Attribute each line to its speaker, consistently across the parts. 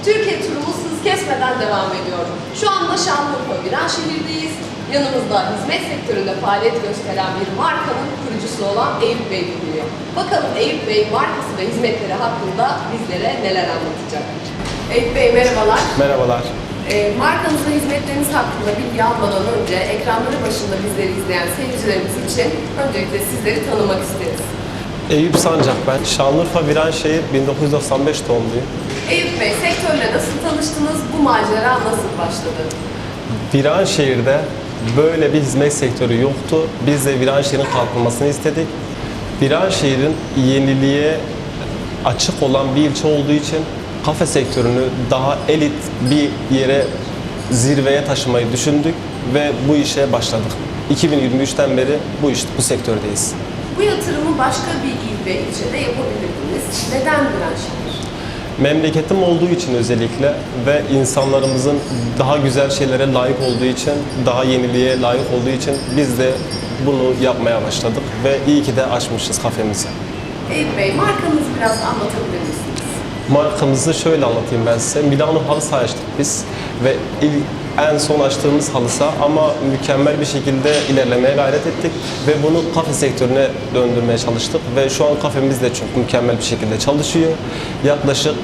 Speaker 1: Türkiye turumuz hız kesmeden devam ediyor. Şu anda Şanlıurfa Viranşehir'deyiz. Yanımızda hizmet sektöründe faaliyet gösteren bir markanın kurucusu olan Eyüp Bey bulunuyor. Bakalım Eyüp Bey markası ve hizmetleri hakkında bizlere neler anlatacak. Eyüp Bey merhabalar.
Speaker 2: Merhabalar.
Speaker 1: Markanız ve hizmetleriniz hakkında bilgi almadan önce ekranları başında bizleri izleyen seyircilerimiz için öncelikle sizleri tanımak isteriz.
Speaker 2: Eyüp Sancak ben. Şanlıurfa Viranşehir 1995 doğumluyum.
Speaker 1: Eyüp Bey, sektörle nasıl tanıştınız? Bu macera nasıl başladı?
Speaker 2: Viranşehir'de böyle bir hizmet sektörü yoktu. Biz de Viranşehir'in kalkınmasını istedik. Viranşehir'in yeniliğe açık olan bir ilçe olduğu için kafe sektörünü daha elit bir yere, zirveye taşımayı düşündük ve bu işe başladık. 2023'ten beri bu sektördeyiz.
Speaker 1: Bu yatırımı başka bir il ve ilçede yapabilirdiniz. Neden Viranşehir?
Speaker 2: Memleketim olduğu için özellikle ve insanlarımızın daha güzel şeylere layık olduğu için, daha yeniliğe layık olduğu için biz de bunu yapmaya başladık ve iyi ki de açmışız kafemizi.
Speaker 1: Eyüp Bey, markanızı biraz anlatabilir misiniz?
Speaker 2: Markamızı şöyle anlatayım ben size. Milano halı saha açtık biz ve en son açtığımız halı saha ama mükemmel bir şekilde ilerlemeye gayret ettik ve bunu kafe sektörüne döndürmeye çalıştık ve şu an kafemiz de çok mükemmel bir şekilde çalışıyor. Yaklaşık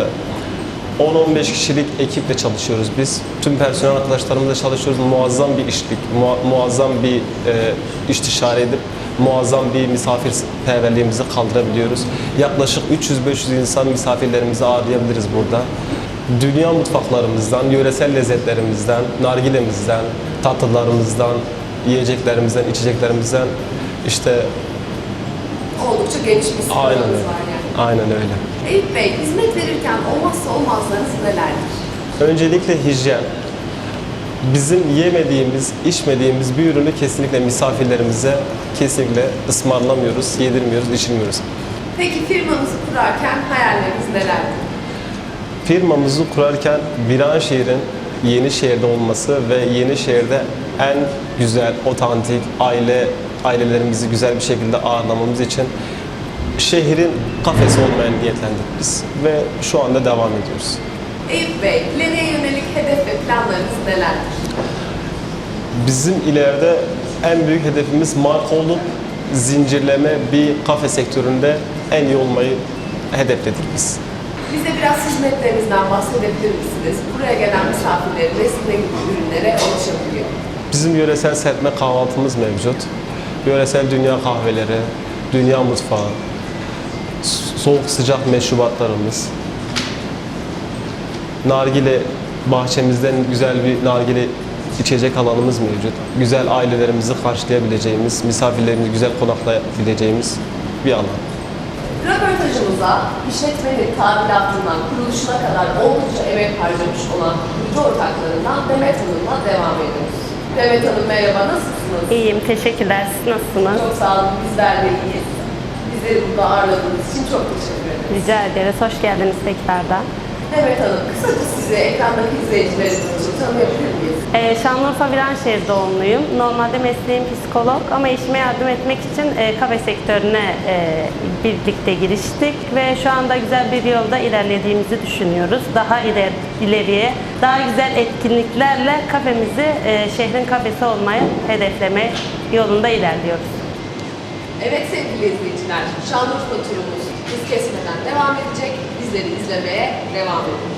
Speaker 2: 10-15 kişilik ekiple çalışıyoruz biz. Tüm personel arkadaşlarımızla çalışıyoruz. Muazzam bir işlik, muazzam bir istişare edip muazzam bir misafirperverliğimizi kaldırabiliyoruz. Yaklaşık 300-500 insan misafirlerimizi ağırlayabiliriz burada. Dünya mutfaklarımızdan, yöresel lezzetlerimizden, nargilemizden, tatlılarımızdan, yiyeceklerimizden, içeceklerimizden işte
Speaker 1: Oldukça geniş bir skalınız
Speaker 2: aynen öyle.
Speaker 1: var yani.
Speaker 2: Aynen öyle.
Speaker 1: Eyüp Bey, hizmet verirken olmazsa olmazlarınız nelerdir?
Speaker 2: Öncelikle hijyen. Bizim yemediğimiz, içmediğimiz bir ürünü kesinlikle misafirlerimize kesinlikle ısmarlamıyoruz, yedirmiyoruz, içirmiyoruz.
Speaker 1: Peki firmanızı kurarken hayalleriniz nelerdir?
Speaker 2: Firmamızı kurarken Viranşehir'in Yenişehir'de olması ve Yenişehir'de en güzel, otantik ailelerimizi güzel bir şekilde ağırlamamız için şehrin kafesi olmaya niyetlendik biz ve şu anda devam ediyoruz.
Speaker 1: Eyüp Bey, ileriye yönelik hedef ve planlarınız nelerdir?
Speaker 2: Bizim ileride en büyük hedefimiz marka olup zincirleme bir kafe sektöründe en iyi olmayı hedefledik biz.
Speaker 1: Bize biraz hizmetlerinizden bahsedebilir misiniz? Buraya gelen misafirlerimiz ne gibi ürünlere ulaşabiliyor?
Speaker 2: Bizim yöresel serpme kahvaltımız mevcut. Yöresel dünya kahveleri, dünya mutfağı, soğuk sıcak meşrubatlarımız, nargile bahçemizden güzel bir nargile içecek alanımız mevcut. Güzel ailelerimizi karşılayabileceğimiz, misafirlerimizi güzel konaklayabileceğimiz bir alan.
Speaker 1: Röportajımıza işletmenin tadilatından kuruluşuna kadar oldukça emek harcamış olan kurucu ortaklarından Demet Hanım'la devam ediyoruz. Demet Hanım merhaba, nasılsınız?
Speaker 3: İyiyim, teşekkürler. Siz nasılsınız?
Speaker 1: Çok sağ olun, bizler de iyiyiz. Bizleri burada ağırladığınız için çok teşekkür ederiz.
Speaker 3: Rica ederiz. Hoş geldiniz tekrardan.
Speaker 1: Demet Hanım, kısaca sizi ekrandaki izleyicilerimiz için tanıyabilir miyiz?
Speaker 3: Şanlıurfa Viranşehir doğumluyum. Normalde mesleğim psikolog ama işime yardım etmek için kafe sektörüne birlikte giriştik ve şu anda güzel bir yolda ilerlediğimizi düşünüyoruz. Daha ileriye, daha güzel etkinliklerle kafemizi şehrin kafesi olmayı hedefleme yolunda ilerliyoruz.
Speaker 1: Evet sevgili izleyiciler, Şanlıurfa turumuz hız kesmeden devam edecek. Bizleri izlemeye devam edin.